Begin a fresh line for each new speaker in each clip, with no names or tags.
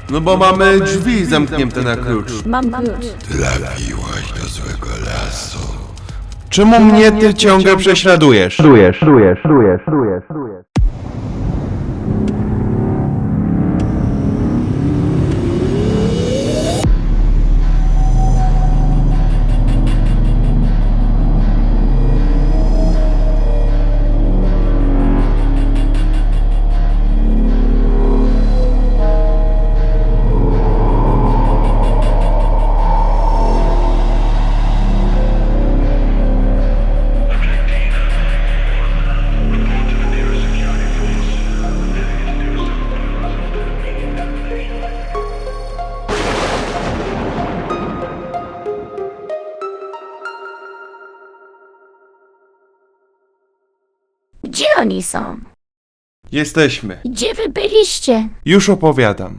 No bo mamy drzwi zamknięte na klucz.
Mam klucz.
Trafiłaś do złego lasu.
Czemu mnie ty ciągle prześladujesz?
Gdzie oni są?
Jesteśmy.
Gdzie wy byliście?
Już opowiadam.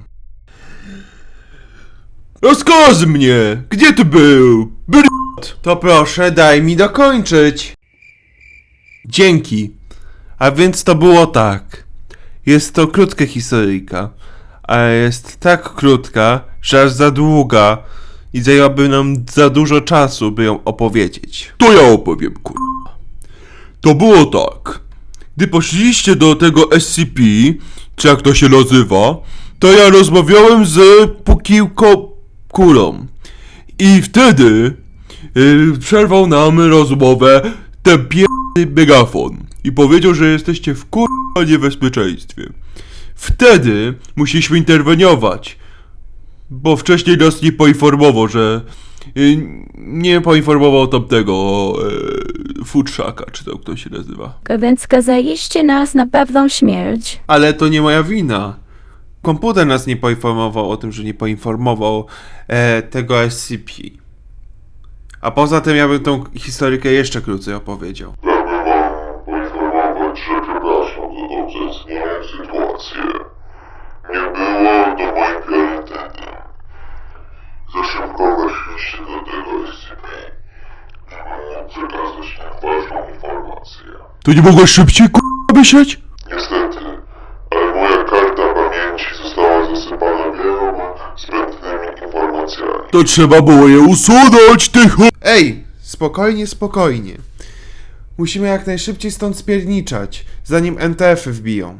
Rozkaz mnie! Gdzie ty był? To proszę, daj mi dokończyć. Dzięki. A więc to było tak. Jest to krótka historyjka. Ale jest tak krótka, że aż za długa i zajęłaby nam za dużo czasu, by ją opowiedzieć. To ja opowiem, kurwa. To było tak. Gdy poszliście do tego SCP, czy jak to się nazywa, to ja rozmawiałem z Pukiłko Kulą. I wtedy przerwał nam rozmowę ten pierdolony megafon. I powiedział, że jesteście w kurwa niebezpieczeństwie. Wtedy musieliśmy interweniować. Bo wcześniej nas nie poinformował, że... nie poinformował tamtego... futrzaka, czy to kto się nazywa.
Więc skazaliście nas na pewną śmierć.
Ale to nie moja wina. Komputer nas nie poinformował o tym, że nie poinformował tego SCP. A poza tym ja bym tą historykę jeszcze krócej opowiedział.
Pragnę wam poinformować, że przepraszam za tą zaistniałą sytuację. Nie było to moim priorytetem. Za szybko weszliście do tego SCP, żeby móc przekazać im ważną informację.
To nie mogłeś szybciej myśleć?
Niestety, ale moja karta pamięci została zasypana wieloma zbędnymi informacjami.
To trzeba było je usunąć, Ej, spokojnie, spokojnie. Musimy jak najszybciej stąd spierniczać, zanim NTF-y wbiją.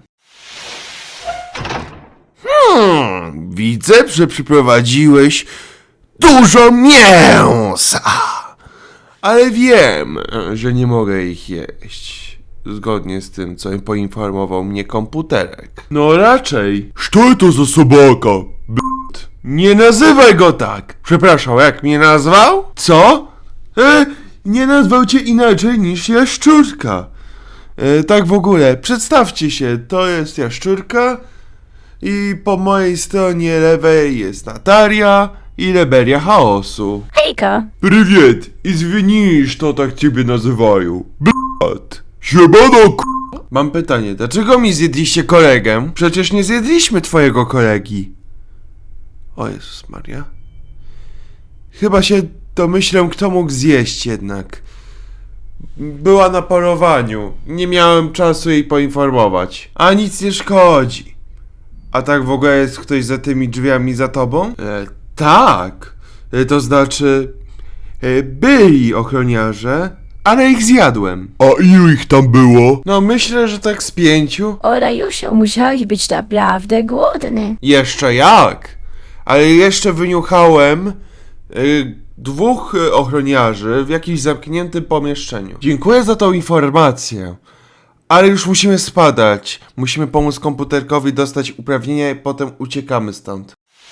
Widzę, że przyprowadziłeś dużo mięsa. Ale wiem, że nie mogę ich jeść. Zgodnie z tym, co poinformował mnie komputerek. No raczej. Co to za sobaka? Nie nazywaj go tak! Przepraszam, jak mnie nazwał? Co? Nie nazwał cię inaczej niż jaszczurka. Tak w ogóle, przedstawcie się, to jest jaszczurka i po mojej stronie lewej jest Nataria i Leberia Chaosu.
Hejka!
Привет! Извини, что так ciebie nazywają. Blat. Siemano, Mam pytanie, dlaczego mi zjedliście kolegę? Przecież nie zjedliśmy twojego kolegi. O Jezus Maria. Chyba się domyślę, kto mógł zjeść jednak. Była na polowaniu. Nie miałem czasu jej poinformować. A nic nie szkodzi. A tak w ogóle jest ktoś za tymi drzwiami za tobą? Tak. To znaczy... byli ochroniarze, ale ich zjadłem. A ilu ich tam było? No myślę, że tak z 5.
O Rajusiu, musiałeś być naprawdę głodny.
Jeszcze jak? Ale jeszcze wyniuchałem 2 ochroniarzy w jakimś zamkniętym pomieszczeniu. Dziękuję za tą informację. Ale już musimy spadać. Musimy pomóc komputerkowi dostać uprawnienia i potem uciekamy stąd.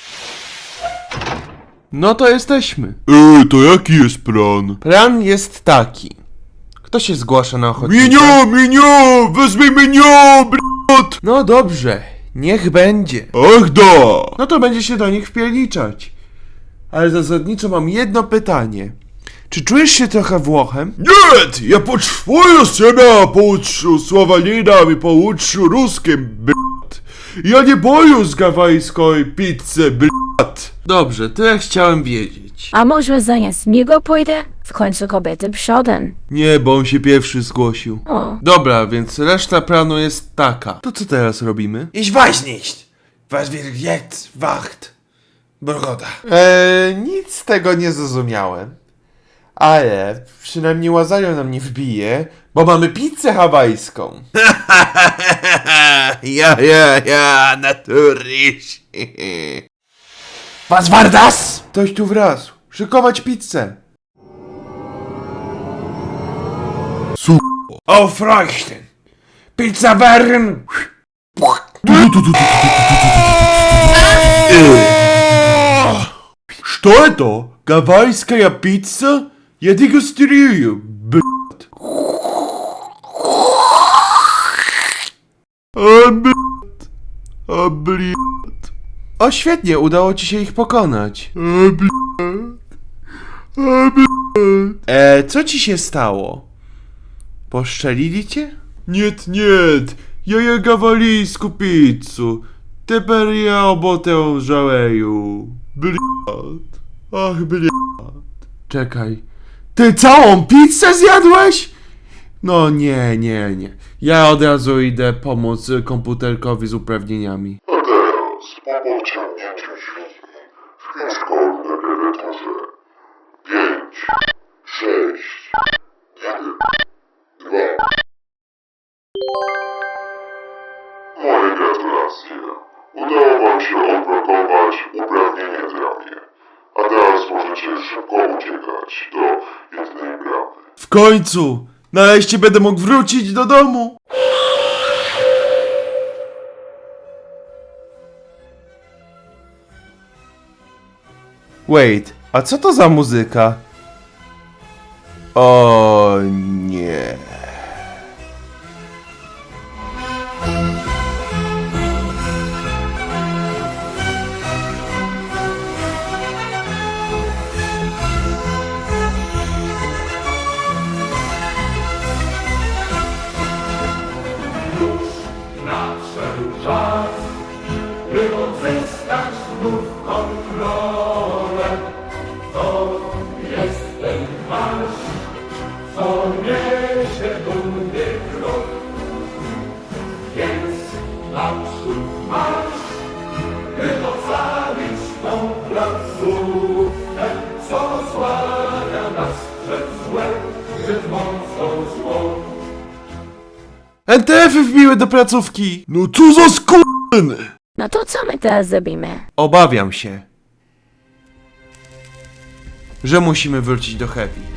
No to jesteśmy. To jaki jest plan? Plan jest taki. Kto się zgłasza na ochotnika? Mnie! Wezmij mnie, brat! No dobrze, niech będzie. Ach da! No to będzie się do nich wpierniczać. Ale zasadniczo mam jedno pytanie. Czy czujesz się trochę Włochem? Nie! Ja potrzebuję się pouczył Słowaninem i pouczył ruskim, brat. Ja nie boję z gawajskiej pizzy, brat. Dobrze, tyle chciałem wiedzieć.
A może zamiast niego pójdę? W końcu kobiety przodem.
Nie, bo on się pierwszy zgłosił.
O.
Dobra, więc reszta planu jest taka. To co teraz robimy? Iść woźniść! Was wird jetzt wacht. Broda. Nic z tego nie zrozumiałem. Ale przynajmniej Łazario nam nie wbije, bo mamy pizzę hawajską. ja, naturlisch. Was war das? Ktoś tu wraz. Szykować pizzę. Aufreichen. Pizza werden. Что это? Гавайская пицца? Я дегустрирую, блядь. Блядь. O, świetnie, udało ci się ich pokonać. Co ci się stało? Poszczelili cię? Nie. Ja je gawalijsku pizzu. Teper ja obotę żaleju. Bliat. Ach, bliat. Czekaj. Ty całą pizzę zjadłeś? No nie. Ja od razu idę pomóc komputerkowi z uprawnieniami.
A teraz po pociągnięciu dźwigni wpisz kod na klawiaturze 5, 6, 1, 2. Moje gratulacje. Udało wam się odblokować uprawnienie w ramie. A teraz możecie szybko uciekać do jednej bramy.
W końcu! Nareszcie będę mógł wrócić do domu! Wait, a co to za muzyka? O nie.
Nadszedł czas, by odzyskać znów kontrolę. To jest ten marsz, co niesie dumny krok. Więc naprzód marsz, by ocalić tą placówkę, co osłania nas przed złem, przed mocą złą.
NTF-y wbiły do placówki! No co za skurwyny!
No to co my teraz zrobimy?
Obawiam się, że musimy wrócić do Heavy.